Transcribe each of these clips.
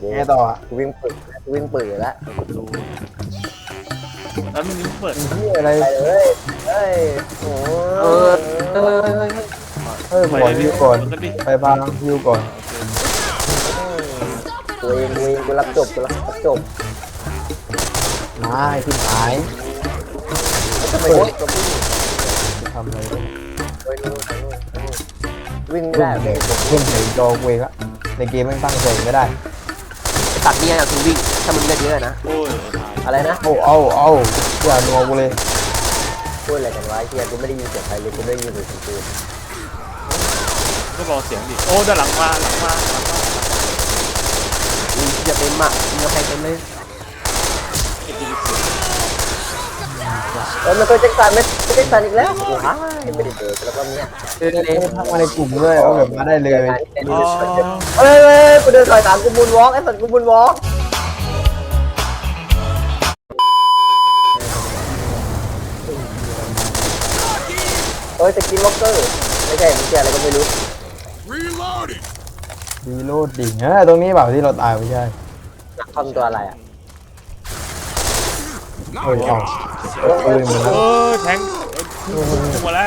ไงต่ออ่ะวิ่งปืนวิ่งปืนแล้วดูแล้วมึงเปิดเฮียอะไรไปเลยเฮ้ยโอ้เออเออขอฮิวก่อนไปบางฮิวก่อนตัวเองกูรับจบจบมาไอ้ที่หายทำไมโอ้ยทำอะไรวิ่งไม่เพื่อได้นเด็กเพื่อนเด็กจอเวกอะในเกมไม่ตั้งใจไม่ได้ตัดเนี่ยคือวิ่งถ้ามึงเล่นเยอะนะโอ้ยอะไรนะเอาอย่านัวกูเลยพูดอะไรกันวะเฮียกูไม่ได้ยินเสียงใครเลยกูได้ยินแต่เสียงปืนก็บอกเสียงดิโอ้ด้านหลังมาจะเต็มอ่ะมึงเอาใครเต็มเลยมันเคยแจ็คสันไหมแจ็คสันอีกแล้วโอ้ยไม่ได้เจอแล้วก็เนี่ยทักมาในกลุ่มเลยเอาแบบมาได้เลยอ๋อเฮ้ยกูเดินถอยตามกูมูนวอล์กไอ้สัตว์กูมูนวอล์กเฮ้ยสกินล็อกเกอร์ไม่ใช่มันแค่อะไรก็ไม่รู้ดีโลดดิ่งตรงนี้แบบที่เราตายไม่ใช่ทำตัวอะไรอ่ะเอาปืนมาแล้วเออแทงหมดแล้ว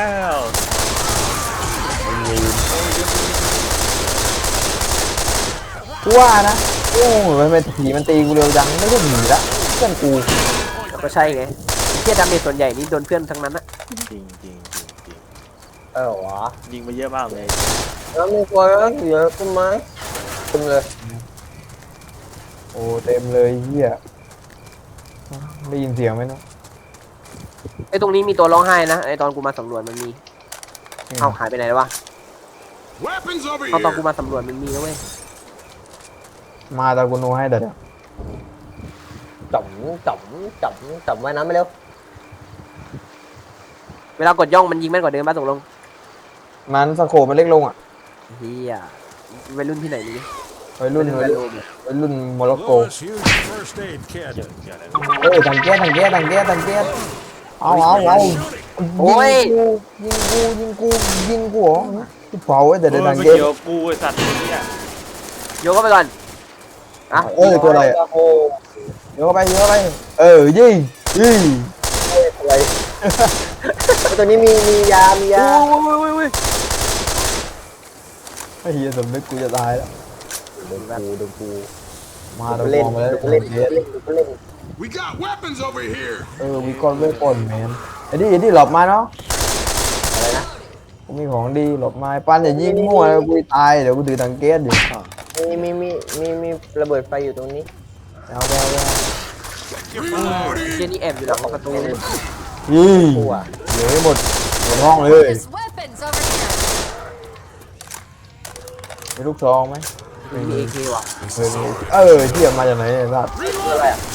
กูว่านะโอ้ยมันผีมันตีกูเร็วจังไม่ใช่ผีละเพื่อนกูก็ใช่ไงเที่ยดาเมจส่วนใหญ่นี่โดนเพื่อนทั้งนั้นอะจริงวะยิงไปเยอะมากเลยแล้วมีคนเยอะขึ้นไหมขึ้นเลยโอ้เต็มเลยเฮียได้ยินเสียงไหมเนาะไอ้ตรงนี้มีตัวร้องไห้นะไอ้ตอนกูมาสำรวจมันมีเอาหายไปไหนแล้ววะเอาตอนกูมาสำรวจมันมีนะเว้ยมาตากูโนให้เดี๋ยวจับไว้นะไม่เร็วเวลากดย่องมันยิงแม่นกว่าเดิมป่ะตกลงมันสโคปมันเล็กลงอ่ะเฮียวัยรุ่นที่ไหนนี่วัยรุ่นโมร็อกโกเกี่ยวอะไรตังเกียเอาโอ้ยยิงกูเหรอเผาแต่เออดังไม่เกียเกี่ยวกูไอ้สัตว์เนี่ยโยกเข้าไปก่อนอ่ะตัวอะไรอ่ะเยอะไปยิงอะไรตัวนี้มียาไอ้เหี้ยสมนึกกูจะตายแล้วโดนกูมาเราเล่นมองมาแล้วเล่น We got weapons over here. มีก้อนเวทปนแมนไอ้นี่หลบมาเนาะอะไรนะกูมีของดีหลบมาปั้นอย่ายิงมั่วแล้วกูตายเดี๋ยวกูถือตังเกียอยู่มีระเบิดไฟอยู่ตรงนี้เอาเฮียนี่แอบอยู่หลังประตูยิงกูอ่ะเหลือหมดห้องเลย There's weapons over here. มีลูกซองไหมมีเอเคว่ะเทียบมาจากไหนเนี่ยสัตว์อะไรอ่ะ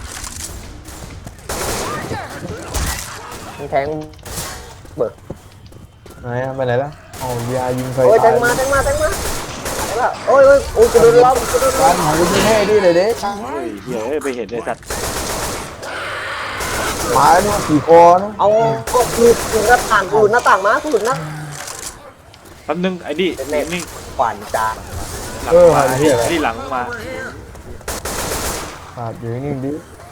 แทงเบิร์ไหนไปไหนแล้วอ๋อยายิงใครโอ้ยแทงมาโอ้ยกระโดดล้อมการหากูยิงให้ดิเลยเด้เฮ้ยเดี๋ยวไปเห็นไอ้สัตว์หมาเนี่ยขี่คอนะเอาก็คือหน้าต่างกูหน้าต่างมากูหลุดนะแป๊บนึงไอ้ดินิ่งขวานจานหลังมาไอ้ดิหลังมาขาดอยู่นิ่งดิ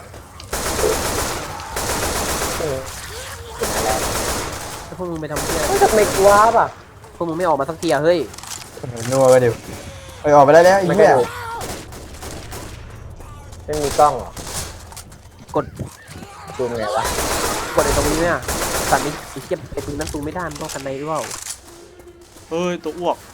พวกมึงไปทำเพี้ยไม่ทำไมกลัวป่ะพวกมึงไม่ออกมาสักทีอะเฮ้ยนัวไปเดี๋ยวไปออกไปได้แล้วอีกไม่แค่มีกล้องหรอกดดูไงวะกดไอ้ตรงนี้เนี่ยสัตว์นี้ไอ้เทียบไอ้ปืนนั้นตูไม่ได้มันต้องกันในหรือเปล่าเฮ้ยตัวอ้วก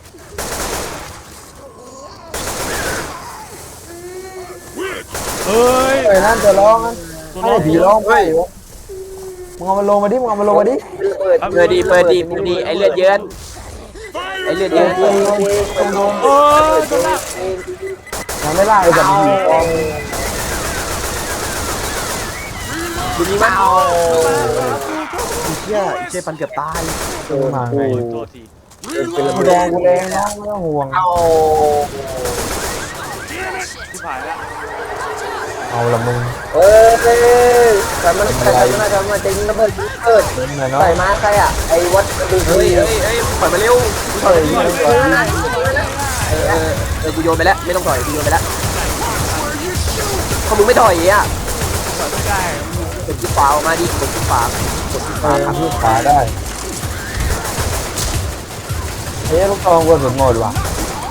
เฮ้ยไอ้นั่นจะร้องนะตัวไอ้น้องผีร้องไปมึงเอามันลงมาดิมึงเอามันลงมาดิเปิดดีไอ้เลือดเยินไอ้เลือดเยินเออตัวน้องยังไม่ล่าไอ้แบบผีฟองดูนี่มั้งเชี่ยปันเกือบตายมาไงตัวทีกูแดงกูแรงน้องไม่ต้องห่วงเอาที่ผ่านแล้วเอาละมึงเอ้ยแต่มันจะยิงระเบิดเกิดเล่นเลยเนาะใส่มาใครอ่ะไอ้วัดดูเฮ้ยปล่อยมาเร็วเฮ้ยกูโยนไปแล้วไม่ต้องต่อยกูโยนไปแล้วเขามึงไม่ถอยอ่ะต่อยไม่ได้กดที่ขวาออกมาดิกดที่ขวากดที่ขวาครับที่ขวาได้เฮ้ยลูกตองกวนสุดหมดว่ะ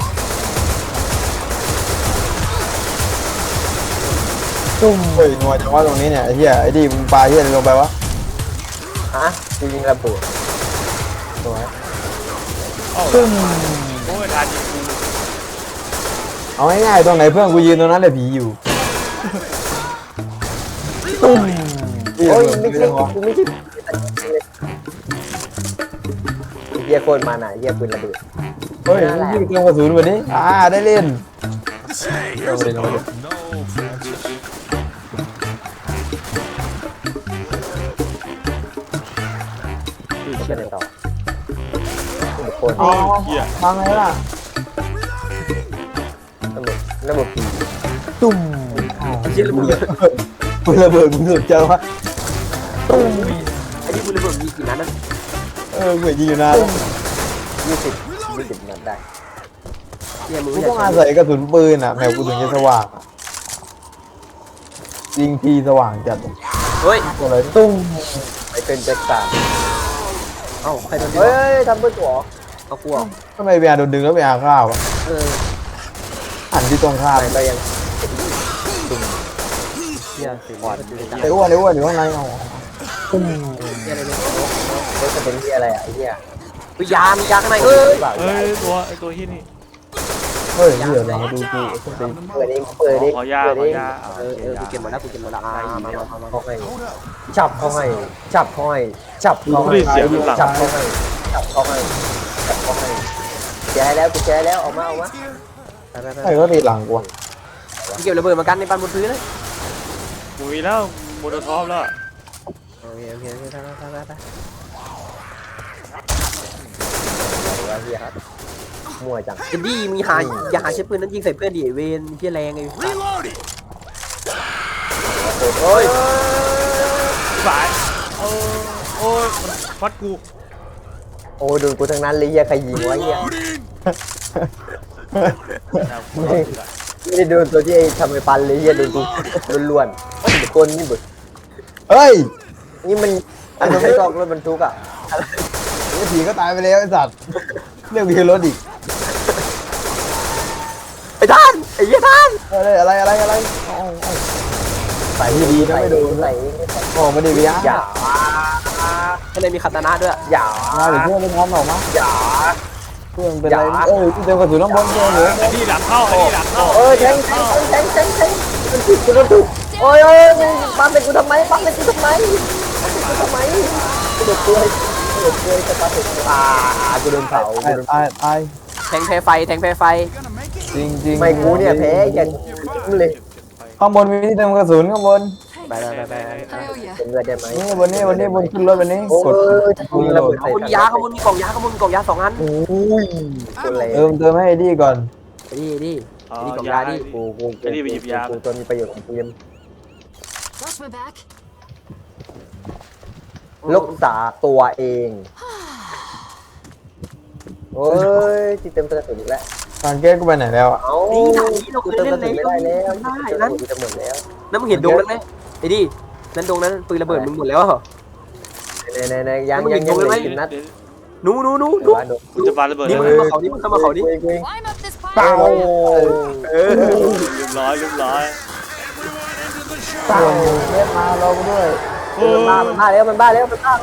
ตุ้มเฮ้ยนัวจังว่าตรงนี้เนี่ยไอ้เหี้ยไอ้ดิมึงปลาเหี้ยอะไรลงไปวะฮะกูยิงระเบิดสวยโอ้ตุ้มโหทานยิงกูเอาง่ายๆตรงไหนเพื่อนกูยืนตรงนั้นแหละผีอยู่ตุ้มโอ้ยไม่ใช่กูไม่ใช่เฮียโคตรมาหน่ะเฮียปืนระเบิดเฮ้ยยิงเตรียมกระสุนวันนี้ได้เล่น Say, เอา here's ไป a เลยเอาไปเลย no, Francis. เชื่อในต่อทุกคนอ๋อทางไหนล่ะระบบปีตุ้มไอ้เหี้ยระเบิดปืนระเบิดมึงสุดเจอวะตุ้มไอ้ที่กูระเบิดมีกี่นัดนะเหมือนยิงอยู่นาน 20นัดได้เหี้ยมึงกูไม่ต้องใช่อาศัยกระสุนปืนอ่ะแมวกูถึงจะสว่างยิงทีสว่างจัดเฮ้ยอะไรตุ้มไปเป็นแจ็คสันเอ้าใครโดนดึงเฮ้ยทำเพื่อตัวเอากลัวทำไมเบียร์โดนดึงแล้วเบียร์ข้าวอ่ะเออหันที่ตรงข้ามไปก็ยังเหี้ยสิอ่อนไอ้อ้วนอยู่ข้างในเอาตุ้มเหี้ยอะไรเนี่ยเฮ้ยจะเป็นที่อะไรอ่ะไอ้เหี้ยเฮ้ยยามียาข้างในเอ้ยเปล่าเฮ้ยไอตัวเฮียนี่เฮ้ยเดี๋ยวเรามาดูกูส้นตีนเปิดเองเปิดเองขอยาเปิดขอเองยาเออกูเก็บหมดแล้วกูเก็บหมดแล้วมาเขาให้จับเขาให้จับเขาให้จับเขากูให้ได้เสียงอยู่หลังจับเขาให้จับเขาให้จับเขาให้แกแล้วกูแกแล้วออกมาไปไอ้ก็ตีหลังกูกูเก็บระเบิดมากันในปันบนพื้นเลยกูมีแล้วโมโนทอปแล้วโอเคไปว่าเฮียมั่วจังเอ็ดดี้มีหาอย่าหาใช้ปืนนั้นยิงใส่เพื่อนดิเวนเฮียแรงไง Reloading. โอ้ยสายโอ้ยมันฟัดกูโอ้ยโดนกูทั้งนั้นเลยเฮียใครยิงวะเฮีย Reloading. ไม่ได้โดนตัวที่ไอ้ทำไอ้ปันเลยเฮียโดนกูล้วนๆมันเป็นคนนี่บึกเฮ้ยนี่มันอันนั้นไม่ชอบรถบรรทุกอ่ะไอ้ผีก็ตายไปแล้วไอ้สัตว์เรียกวีรถอีกไอ้ท่านไอ้เหี้ยท่านอะไรใส่ดีๆนะไม่โดนใส่โอ้ไม่ได้เบียร์อย่าข้างในมีคาตานะด้วยอย่ามาหรือเพื่อนไม่พร้อมหรอกมั้งอย่าเพื่อนเป็นไรที่เต็มกระสุนน้ำบอลเพื่อนเหรอไอ้นี่หลังเข้าไอ้นี่หลังเข้าแทงมันผิดกูโดนถูกโอ้ยมึงปั๊มเป็นกูทำไมปั๊มเป็นกูทำไมกูโดนกล้วยจะปั๊มเป็นกูโดนเผาตายแทงแพ้ไฟแทงแพ้ไฟจริงไม่กูเนี่ยแพ้อย่าเลยข้างบนมีที่เต็มกระสุนข้างบนไปเป็นเลือดได้ไหมนี่บนขึ้นรถบนนี้โอ้กดยจะยิงระเบิดขบวนยาขบวนมีกล่องยาขบวนกล่องยา2 อันโอ้ยตัวแรงเติมให้ดีก่อนดิอ๋อนี่กล่องยายาดิกูตัวมีประโยชน์ของกูยัง Watch my back. รักษาตัวเองโอ้ยที่เต็มกระสุนอีกแล้วทางแก้กูไปไหนแล้วอ่ะเอ้านี่ด่านนี้เราเคกูยเติมเล่กนระในสุนไม่ได้แล้วได้นั่นั้นนจะหมดแล้วนั่นมึงเห็นดงนั้นไหมไอ้ดินั่นดงนั้นปืนระเบิดมึงหมดแล้วเหรอในยังเหลือ10 นัดหนูกูจะปาระเบิดนี่แล้วมึงเข้ามาเขานี่มึงเข้ามาเขานี่ Climb up this เปล่า pipe. เออเรียบร้อยเรียกมาเราด้วยโอ้มันบ้าแล้วมันบ้าแล้วมันบ้า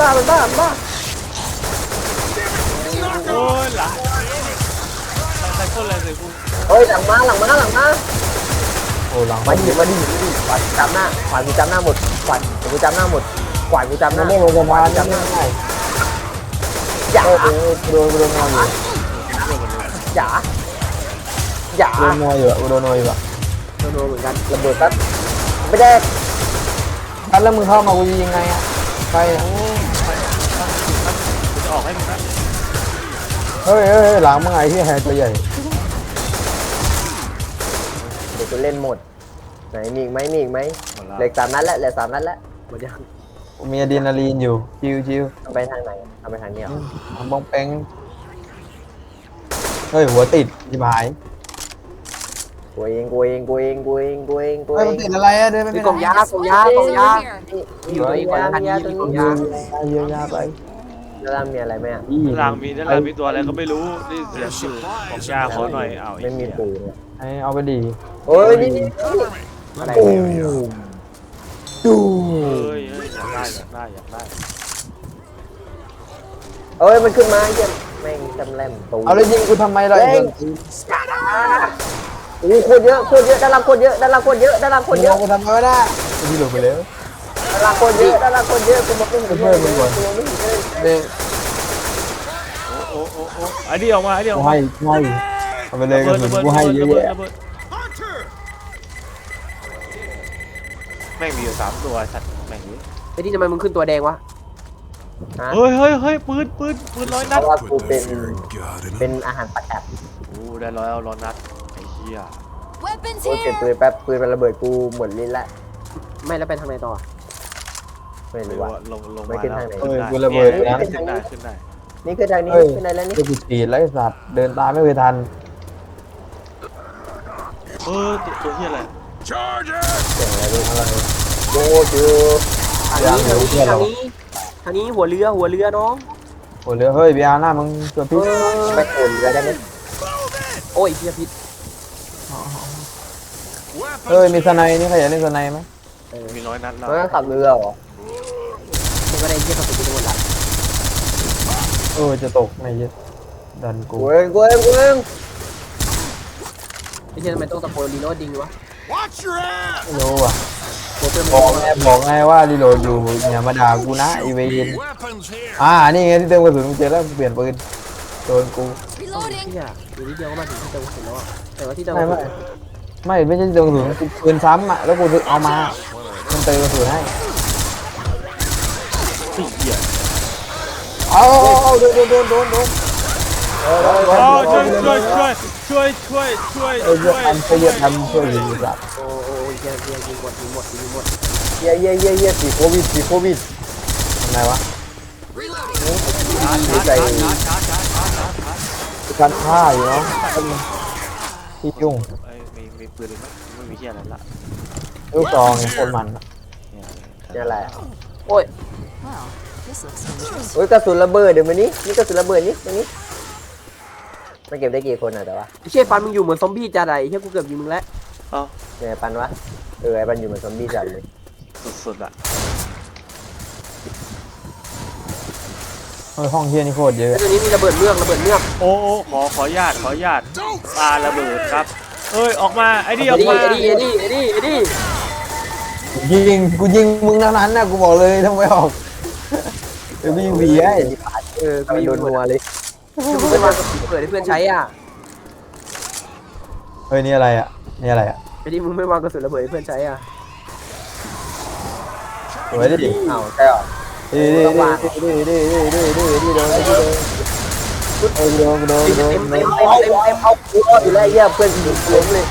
โอ้ยหลังใครคนอะไรใส่กูเฮ้ยหลังมาโอ้หลังมาดิขวานกูจำหน้าหมดขวานกูจำหน้ามันไม่ลงสะพานจำได้อย่าโดนนอยอยู่อย่าโดนนอยอยู่โดนนอยอยู่โดนเหมือนกันระเบิดปั๊บไม่ได้แล้วมึงเข้ามากูยิงไงอ่ะไปกูจะออกให้มึงนะเฮ้ยหลังมึงไอ้ที่แฮตัวใหญ่เดี๋ยวกูเล่นหมดไหนมีอีกไหมเหลือ3 นัดแล้วหมดยังมีอะดรีนาลีนอยู่ชิวไปทางไหนเอาไปทางนี้เหรอทำบ้องแป้งเฮ้ยหัวติดจิบหายกูเองกูเองกูเองกูเองกูเองกูเฮ้ยเอมันงติดอะไรอะเดินไปมีไม่กล่องได้ยากล่องยากล่องยา Over here. อยู่ตัวเองก่อนทันทีมีกล่องยาเยียวยาไปแล้วล่างมีอะไรไหมอ่ะด้านล่างมีด้านล่างมีตัวอะไรก็ไม่รู้นี่เสียงอยู่ของยาขอหน่อยอ้าวไม่มีปืนอะให้เอาไปดีโอ้ยนี่นี่อะไรโอ้เนี่ยดูเฮ้ยอยากได้อยากได้อยากได้เอ้ยมันขึ้นมาเยี่ยมแม่งจำแรมตูเอาเลยยิงกูทำไมล่ะเฮ้ย โอ้โหโคตรเยอะโคตรเยอะด้านล่างโคตรเยอะด้านล่างโคตรเยอะด้านล่างโคมึตงรเยเอาอะกูทำไมวะน่ะกูที่หลุดไปแล้วด้านล่างโคตรเยอะด้านล่างโคตรเยอะกูบอกไม่เห็นเลยกูบอกไม่เห็นเลยเด้งโอ้โอ้โอ้ไอ้นี่ออกมาไอ้นี่อกูอกมาให้เอาไปเลยกระสุนกูให้เยอะแยะแม่งมีอยู่3ตัวสัตว์แม่งนี้ไอ้ที่ทำไมมึงขึ้นตัวแดงวะฮะเฮ้ยเฮ้ยเฮ้ยปืนร้อยเพนัดราะว่ากู Put เป็น that fear in God and เป็นอาหารประกัดโอ้ได้ร้อยนัดไอ้เหี้ย Weapons โอ้ยเก็บ here. ปืนแป๊บปืนมันระเบิดกูหมดลิ้นละไม่แล้วไปทางไหนต่อไม่ไม่รู้รู้ว่าว่าลงไม่มาขึ้นแล้วทางไหนขึ้นได้กูระเบิดนะขึ้นได้ขึ้นได้นี่คือทางนี้เฮ้ยขึ้นไหนแล้วนี่เดี๋ยวกูฉีดแล้วไอ้สัตว์เดินตามไม่เคยทันตัวเหี้ยอะไร charge it. เสียงอะไรดูอะไรโอ้จือทางนี้ทางนี้หัวเรือน้องโอ้เหลือเฮ้ยเบียร์หน้ามึงตัวพิษไม่โอนเลยได้ไหมโอ้ยเพียพิษเฮ้ยมีสไนนี่ใครอยากเล่นสไนไหมมีร้อยนัดแล้วมันก็ขับเรือเหรอมันก็ได้เยี่ยมกับสุดที่โดนละจะตกไม่ยึดดันกูกูเองกูเองกูเองไอ้เชี่ยทำไมต้องตะโกนดีโน่ดิงวะ Watch your ass. ไม่รู้ว่ะโคตรเป็นบอกไงว่ารีโหลดอยู่อย่ามาด่ากูนะไอเวน Weapons here. นี่ไงที่เติมกระสุนกูเจอแล้วกูเปลี่ยนปืนโดนกู Reloading. เชี่ยอยู่นิดเดียวก็มาถึงที่เติมกระสุนแล้วอะแต่ว่าที่เติมไม่ใช่เติมกระสุนกูปืนซ้ำอ่ะแล้วกูเอามามันเติมกระสุนให้สี่เหี้ยเอาโดนช่วยทำช่วยยิงสัตว์โอ้ยเชี่ยยิงหมดเย่เย่เย่เย่สีโควิดสีโควิดทำไงวะดีใจการฆ่าอยู่เนาะที่ยุ่งมีปืนไหมไม่มีเหี้ยอะไรละลูกซองคนมันนี่แหละโอ้ย Well, this looks dangerous. โอ้ยกระสุนระเบิดเดี๋ยวมันนี้นี่กระสุนระเบิดนี่ตรงนี้มันเก็บได้กี่คนอ่ะแต่ว่าไอ้เชี่ยฟันมึงอยู่เหมือนซอมบี้จัดอะไอ้เชี่ยกูเกือบยิงมึงแล้วเนี่ยไอ้ปันวะไอ้ปันอยู่เหมือนซอมบี้จัดเลยสุดๆอ่ะห้องเฮียนี่โคตรเยอะไอ้ตัวนี้มีระเบิดเมือกโอ้ขออนุญาตปาระเบิดครับเอ้ยออกมาไอ้นี่ออกมาไอ้ดิกูยิงมึงเท่านั้นนะกูบอกเลยทำไมออกเดี๋ยววิ่งหวีให้กูโดนนัวเลยคือมึงไม่วางกระสุนระเบิดให้เพื่อนใช้อ่ะเฮ้ยนี่อะไรอ่ะไอ้ดิมึงไม่วางกระสุนระเบิดให้เพื่อนใช้อ่ะสวยดิอ้าวใช่หรอดิโดนเอากูอยู่แล้วเยี่ยเพื่อนยิงล้มเลย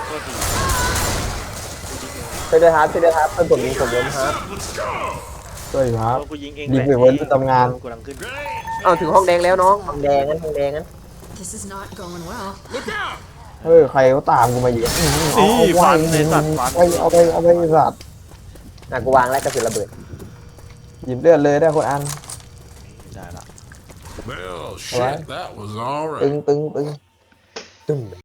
ช่วยด้วยครับเพื่อนผมยิงผมล้มครับช่วยครับกูยิงเองยิงไปวันทำงานกูกำลังขึ้นเอาถึงห้องแดงแล้วน้องทองแดงงั้น This is not going well. เฮ้ยใครเขาตามกูมาอยู่ฟันในสัตว์ฟันเอาไปสัตว์กูวางแล้วกระสุนระเบิดหยิบเลือดเลยได้คนอันได้ละ Well, shit, that was all right. ตึงตึ้ม